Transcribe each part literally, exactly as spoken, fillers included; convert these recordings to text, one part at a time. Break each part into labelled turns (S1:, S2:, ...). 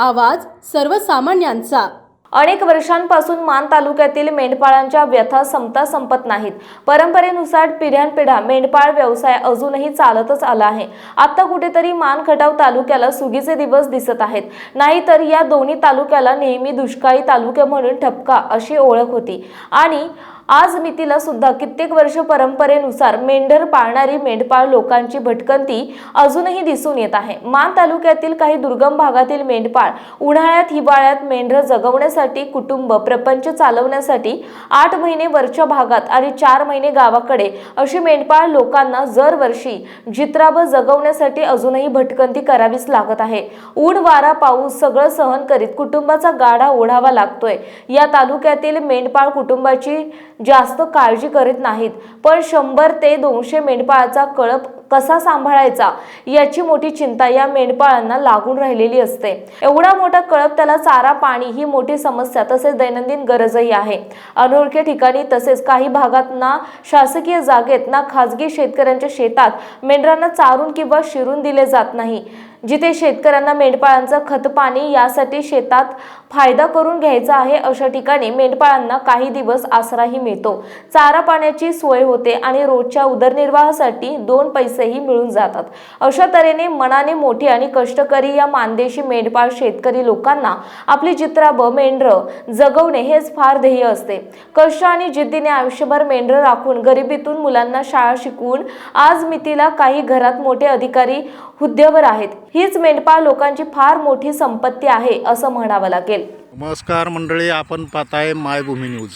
S1: आवाज सर्वसामान्यांचा।
S2: अनेक वर्षांपासून मान तालुक्यातील मेंढपाळांच्या व्यथा संपता संपत नाहीत। परंपरेनुसार पिढ्यानपिढ्या मेंढपाळ व्यवसाय अजूनही चालतच आला आहे। आता कुठेतरी मान खटाव तालुक्याला सुगीचे दिवस दिसत आहेत। नाहीतर या दोन्ही तालुक्याला नेहमी दुष्काळी तालुका म्हणून ठपका अशी ओळख होती आणि आज मितीला सुद्धा कित्येक वर्ष परंपरेनुसार मेंढर पाळणारी मेंढपाळ लोकांची भटकंती अजूनही दिसून येत आहे। मान तालुक्यातील काही दुर्गम भागातील मेंढपाळ उन्हाळ्यात हिवाळ्यात मेंढर जगवण्यासाठी कुटुंब प्रपंच चालवण्यासाठी आठ महिने वरच्या भागात आणि चार महिने गावाकडे अशी मेंढपाळ लोकांना दरवर्षी जित्राब जगवण्यासाठी अजूनही भटकंती करावीच लागत आहे। ऊन वारा पाऊस सगळं सहन करीत कुटुंबाचा गाडा ओढावा लागतोय। या तालुक्यातील मेंढपाळ कुटुंबाची जास्त काळजी करीत नाहीत, पण शंभर ते दोनशे मेंढपाळाचा कळप कसा सांभाळायचा याची मोठी चिंता या मेंढपाळांना लागून राहिलेली असते। एवढा मोठा कळप त्याला चारा पाणी ही मोठी समस्या तसेच दैनंदिन गरजही आहे। अनोळख्या ठिकाणी तसेच काही भागात ना शासकीय जागेत ना खाजगी शेतकऱ्यांच्या शेतात मेंढरांना चारून किंवा शिरून दिले जात नाही। जिथे शेतकऱ्यांना मेंढपाळांचं खत पाणी यासाठी शेतात फायदा करून घ्यायचा आहे अशा ठिकाणी मेंढपाळांना काही दिवस आसराही मिळतो, चारा पाण्याची सोय होते आणि रोजच्या उदरनिर्वाहासाठी दोन पैसेही मिळून जातात। अशा तऱ्हेने मनाने मोठी आणि कष्टकरी या मानदेशी मेंढपाळ शेतकरी लोकांना आपली जित्राब मेंढर जगवणे हेच फार ध्येय असते। कष्ट आणि जिद्दीने आयुष्यभर मेंढर राखून गरिबीतून मुलांना शाळा शिकवून आज मितीला काही घरात मोठे अधिकारी हुद्द्यावर आहेत। हीच मेंढपाळ लोकांची फार मोठी संपत्ती आहे असं म्हणावं लागेल।
S3: नमस्कार मंडळी, आपण पाहताय मायभूमी न्यूज।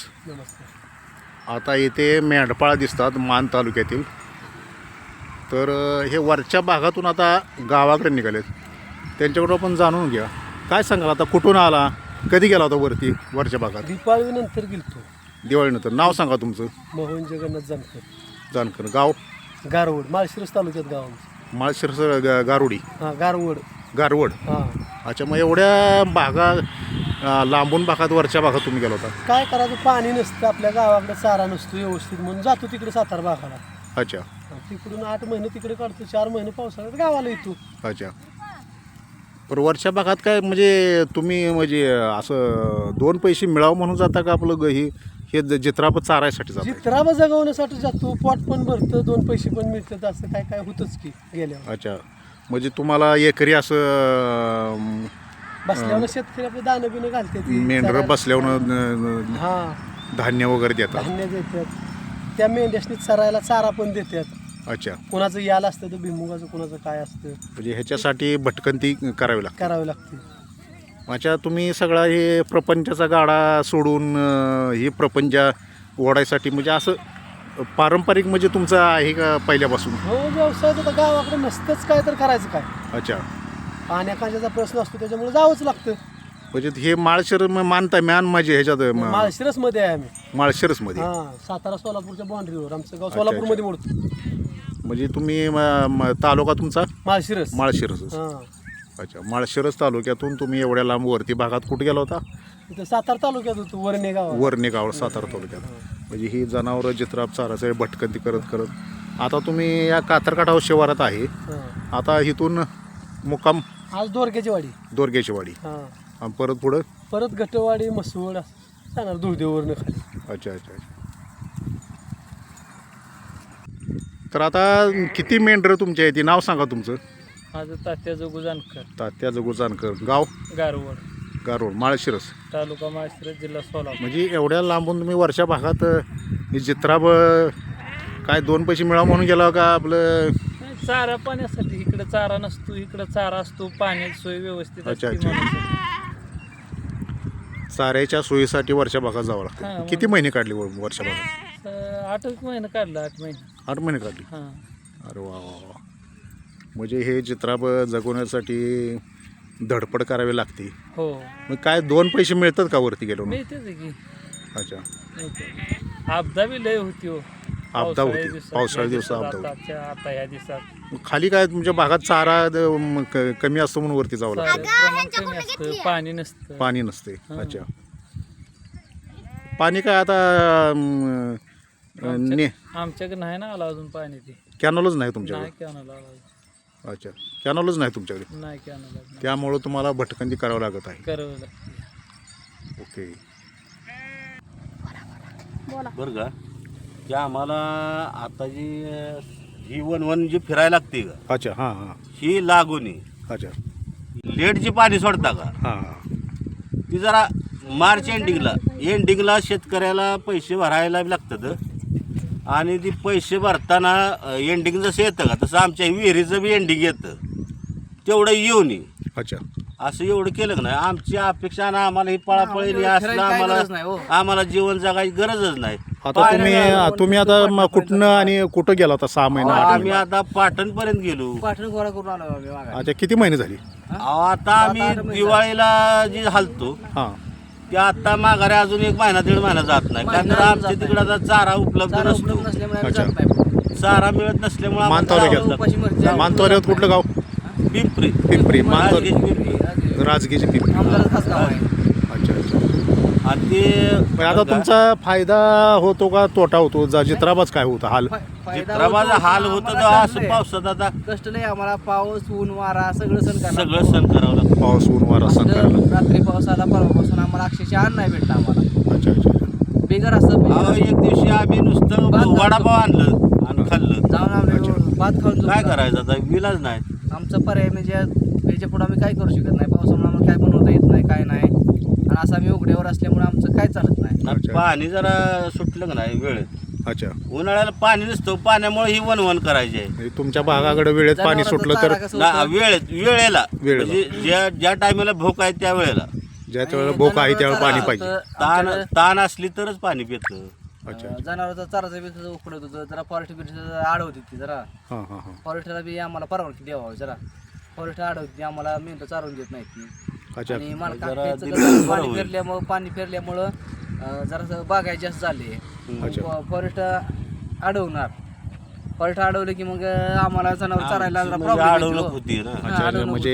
S3: आता इथे मेंढपाळ दिसतात मान तालुक्यातील, तर हे वरच्या भागातून आता गावाकडे निघालेत, त्यांच्याकडून आपण जाणून घ्या। काय सांगाल, आता कुठून आला, कधी गेला होता वरती वरच्या भागात?
S4: दिवाळीनंतर गेलतो।
S3: दिवाळीनंतर। नाव सांगा तुमचं?
S4: मोहन जगन्नाथ जानकर।
S3: जानकर। गाव?
S4: गारवड, माळशिरस तालुक्यात गाव आमचं।
S3: माळशिरस गारुडी?
S4: हां, गारवड।
S3: गारवड,
S4: हां।
S3: अच्छा, मग एवढ्या भागा लांबून भागात वरच्या भागात तुम्ही गेला होता?
S4: काय करायचं, पाणी नसतं आपल्या गावाकडे, चारा नसतो व्यवस्थित, म्हणून जातो तिकडे सातारा भागाला।
S3: अच्छा।
S4: तिकडून आठ महिने तिकडे काढतो, चार महिने पावसाळ्यात गावाला येतो।
S3: अच्छा, पण वरच्या भागात काय म्हणजे तुम्ही म्हणजे असं दोन पैसे मिळावं म्हणून जाता का? आपलं ग- ही हे जित्राब चारायसाठी जाता?
S4: जित्राबा जगवण्यासाठी जातो, पोट पण भरतं, दोन पैसे पण मिळतात, असं काय काय होतंच की गेल्यावर।
S3: अच्छा, म्हणजे तुम्हाला एकरी असं
S4: बसल्यावर शेतकरी आपलं दाणं बिणं घालते,
S3: मेंढर बसल्यावर
S4: हां
S3: धान्य वगैरे देतात?
S4: धान्य देतात, त्या मेंढ्यासनी चरायला चारा पण देतात।
S3: अच्छा,
S4: कोणाचं याल असतं तर भिमुगाचं, कोणाचं काय असतं,
S3: म्हणजे ह्याच्यासाठी भटकंती करावी लागते?
S4: करावे लागते।
S3: अच्छा, तुम्ही सगळा हे प्रपंचाचा गाडा सोडून अं, हे प्रपंच ओढायसाठी म्हणजे असं पारंपरिक म्हणजे तुमचं आहे का पहिल्यापासून?
S4: हो, व्यवसाय तर गावाकडे नसतंच, काय तर करायचं काय।
S3: अच्छा,
S4: पाण्याखांच्याचा प्रश्न असतो, त्याच्यामुळे जावंच लागतं।
S3: म्हणजे हे माळशिर मानता म्यान माझे ह्याच्यात म-
S4: माळशिरस मध्ये आहे आम्ही।
S3: माळशिरसमध्ये?
S4: हां, सातारा सोलापूरच्या बाउंड्रीवर आमचं गाव, सोलापूरमध्ये मोडतं।
S3: म्हणजे तुम्ही म- म- तालुका तुमचा
S4: माळशिरस?
S3: माळशिरस।
S4: हां,
S3: अच्छा, माळशिरस तालुक्यातून तुम्ही एवढ्या लांब वरती भागात कुठे गेला होता?
S4: इथं सातारा तालुक्यात होतो, वरणे गाव।
S3: वरणे गाव, सातारा तालुक्यात। म्हणजे ही जनावरं जित्राब चाराचे भटकंती करत करत आता तुम्ही या कातरकाठाव शिवारात आहे। आता इथून मुक्काम
S4: आज दोरग्याची वाडी,
S3: दोरग्याची वाडी,
S4: हां,
S3: आणि परत पुढं
S4: परत गटवाडी, मसवड जाणार दुर्देववरनं खाली।
S3: अच्छा अच्छा अच्छा। तर आता किती मेंढरं तुमच्या आहे ती नाव सांगा तुमचं?
S4: माझं तात्या जोगू जानकर,
S3: तात्या जगू जानकर। गाव?
S4: गारवड,
S3: गारोड, माळशिरस,
S4: तालुका माळशिरस, जिल्हा सोलापूर।
S3: म्हणजे एवढ्या लांबून तुम्ही वर्षा भागात ही जित्राब काय दोन पैसे मिळावं म्हणून गेला का? आपलं
S4: चारा पाण्यासाठी, इकडे चारा नसतो, इकडे चारा असतो, पाण्याची सोय व्यवस्थित
S3: अच्छा,
S4: असते
S3: अच्छा.
S4: म्हणून.
S3: चाऱ्याच्या सोयीसाठी वर्षा भागात जावं
S4: हां,
S3: लागतं।
S4: मग-
S3: किती महिने काढले वर- वर्षा भागात?
S4: तर आठ एक महिने काढला, आठ महिने।
S3: आठ महिने काढले?
S4: हां,
S3: अरे वा वा वा। म्हणजे हे चित्राब जगवण्यासाठी धडपड करावी लागते।
S4: हो,
S3: मग काय दोन पैसे मिळतात का वरती गेलो?
S4: मिळतेच की।
S3: अच्छा,
S4: मिळते। आपदा बी लय होती हो,
S3: आपदा होती,
S4: दिवसात,
S3: पावसाळ्या
S4: या
S3: दिवसात
S4: दिवसात,
S3: आपदा होती।
S4: आता आता ह्या दिवसात
S3: मग खाली काय तुमच्या भागात चारा द- म- क- कमी असतो म्हणून वरती जावं लागतं?
S4: चाऱ्याचं प्रमाण कमी असतं, पाणी नसतं।
S3: पाणी नसते?
S4: हां.
S3: अच्छा, पाणी काय आता अं, अं, ने
S4: आमच्याकडे नाही ना आला अजून पाणी, ते
S3: कॅनलच नाही तुमच्याकडे?
S4: नाही की आणायला आला अजून।
S3: अच्छा, कॅनॉलच नाही तुमच्याकडे,
S4: नाही कॅनल
S3: त्यामुळं तुम्हाला भटकंती करावं लागत आहे.
S4: करावं
S3: ओके.
S5: बरं का, की आम्हाला आता जी ही वन वन जी फिरायला लागते का,
S3: अच्छा, हां हां,
S5: ही लागून
S3: अच्छा,
S5: लेट जी पाणी सोडता का,
S3: हां हां,
S5: ती जरा मार्च एंडिंगला एंडिंगला शेतकऱ्याला पैसे भरायला लागतात. आणि ती पैसे भरताना एंडिंग जसं येतं का तसं आमच्या विहिरीचं बी एंडिंग येतं, तेवढं येऊ नये.
S3: अच्छा,
S5: असं एवढं केलं का नाही, आमची अपेक्षा ना आम्हाला ही पळापळी असलं आम्हाला आम्हाला जीवन जगायची गरजच नाही.
S3: आता तुम्ही तुम्ही आता म- कुठनं आणि कुठं गेला होता सहा महिना आठ
S5: आम्ही
S3: महिने?
S5: आता पाटणपर्यंत गेलो.
S4: पाठण गोळा करून आलो आम्ही मागे.
S3: अच्छा, किती महिने झाली?
S5: अहो, आता आम्ही दिवाळीला जी हलतो
S3: हां,
S5: ते आता माघारी अजून एक महिना दीड महिना जात नाही, कारण तर आमच्या तिकडे आता चारा उपलब्ध नसतो.
S3: अच्छा,
S5: चारा मिळत नसल्यामुळे आम्हाला
S3: मानतावऱ्यात
S5: जावं लागतं.
S3: मानतावऱ्यात कुठलं गाव?
S5: पिंपरी
S3: पिंपरी, मानतावरे,
S5: पिंपरी.
S3: राजगीरची पिंपरी. अच्छा अच्छा.
S5: आणि ते
S3: पण आता तुमचा फायदा होतो का तोटा होतो? जा जित्राबाज काय होतं हाल?
S5: चित्राबाचा हाल होतं तर असं पावसात आता
S4: कष्ट नाही आम्हाला, पाऊस ऊन वारा सगळं सण करावं
S5: सगळं सण करावं लागतं.
S3: पाऊस ऊन वारा सण करायला.
S4: लागतं. रात्री पाऊस आला परवापासून आम्हाला अक्षरशः अन्न नाही भेटलं आम्हाला.
S3: अच्छा अच्छा.
S4: बेगर असं
S5: अहो, एक दिवशी आम्ही नुसतं
S4: भात
S5: वडापाव आणलं आणि खाल्लं.
S4: जाऊन आम्ही भात खाऊन
S5: काय
S4: झोपलो.
S5: करायचं आता, विलाज नाही.
S4: आमचा पर्याय म्हणजे याच्या पुढे आम्ही काय करू शकत नाही. पावसामुळे आम्हाला काय बनवता येत नाही, काय नाही. आणि असं आम्ही उघड्यावर असल्यामुळे आमचं काय चालत नाही.
S3: अच्छा.
S5: पाणी जरा सुटलं का नाही वेळेत,
S3: अच्छा,
S5: उन्हाळ्याला पाणी नसतं, पाण्यामुळे ही वनवन करायची आहे.
S3: म्हणजे तुमच्या भागाकडे वेळेत पाणी
S4: जनावरांचा
S3: सुटलं तर
S4: चारा कसं
S5: ना,
S4: होतं?
S5: वेळेत वेळेला
S3: वेळेला.
S5: म्हणजे ज्या ज्या टायमाला भूक आहे त्या वेळेला,
S3: ज्या वेळेला भूक आहे त्यावेळेला पाणी पाहिजे.
S5: ताण
S4: आमच्याकडे,
S5: ताण असली तरच पाणी पितं.
S3: अच्छा,
S4: अं, जनावरांचा चाराचं बी तसं उकडत होतं. जरा फॉरेस्ट बिरेस्ट आडवती ती जरा
S3: हां हां हां,
S4: फॉरेस्टला बी आम्हाला परवानगी द्यावा जरा. फॉरेस्ट आडवती आम्हाला मेहनत चालवून देत नाहीत ती.
S3: अच्छा,
S4: आणि मला
S5: जरा
S4: काकायचं
S5: दिलं
S4: कसं
S5: बरं
S4: पाणी
S5: होईल.
S4: फिरल्यामुळं पाणी फिरल्यामुळं अं, जरासं बागायचे जास्त झाले.
S3: अच्छा.
S4: फॉरेस्ट अडवणार, फॉरेस्ट अडवलं की मग आम्हाला जनावर चारायला जरा
S5: म्हणजे
S4: प्रॉब्लेम
S5: अडवणूक होती ना.
S3: अच्छा, म्हणजे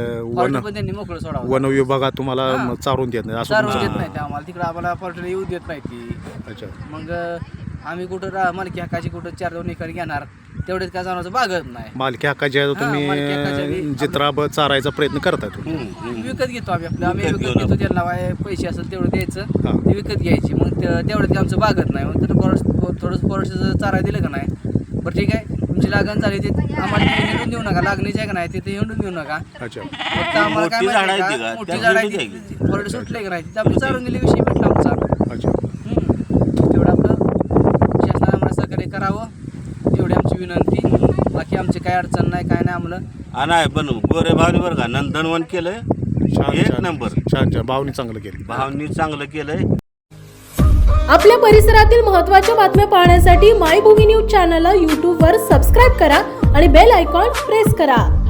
S3: वन
S4: पण त्यांनी मोकळं सोडावं.
S3: वन विभागात तुम्हाला
S4: हां.
S3: म- चारून देत नाही असं
S4: चारून
S3: तुमचं-
S4: देत नाही ते आम्हाला, तिकडे आम्हाला फॉरेस्टला येऊ देत नाही ती.
S3: अच्छा,
S4: मग आम्ही कुठं रा मालकी हक्काची कुठं चार दोन एकर घेणार, तेवढेच काय जनावरचं बागत नाही.
S3: मालकी हक्काच्या
S4: हां, मालकी हक्काच्या
S3: तुम्ही
S4: बी-
S3: जित्राब चारायचा प्रयत्न करताय तुम्ही.
S5: हम्म, हम्म.
S4: विकत घेतो आम्ही आपलं, आम्ही
S5: विकत
S4: विकत
S5: घेऊ
S4: घेतो. त्यांना काय पैसे असेल तेवढं द्यायचं,
S3: हां.
S4: ते विकत घ्यायची. मग ते- तेवढं ते आमचं बागत नाही. मग तर फॉरेस्ट थोडंसं फॉरेस्टचं चारा दिलं का नाही, बरं ठीक आहे तुमची लागण झाली ते आम्हाला तिथे हिंडून देऊ नका, लागणीची आहे का नाही तिथे हिंडून देऊ नका.
S3: अच्छा,
S4: फक्त आम्हाला काय
S5: मोठी झाडं
S4: माहिती
S5: आहेत
S4: आहे
S5: का?
S4: का, मोठी
S5: त्या
S4: झाड
S5: हिंडून
S4: आहे
S5: द्यायची.
S4: फॉरेस्ट सुटले का नाही तिथे आम्ही चारून गेले, विषय भेटला आमचा.
S3: अच्छा.
S4: हम्म. तेवढं आपलं शासनाने आम्हाला सहकार्य करावं एवढी आमची विनंती. बाकी आमची काय अडचण नाही, काय नाही आम्हाला.
S5: हा, नाही पण गोरे भावनी बरं का नंदनवन केलंय,
S3: छान
S5: एक
S3: छान
S5: नंबर.
S3: छान छान, भावनी चांगलं केलं.
S5: भावनी चांगलं केलंय.
S1: आपल्या परिसरातील महत्त्वाच्या बातम्या पाहण्यासाठी मायभूमी न्यूज चॅनलला यूट्यूबवर सबस्क्राईब करा आणि बेल आयकॉन प्रेस करा.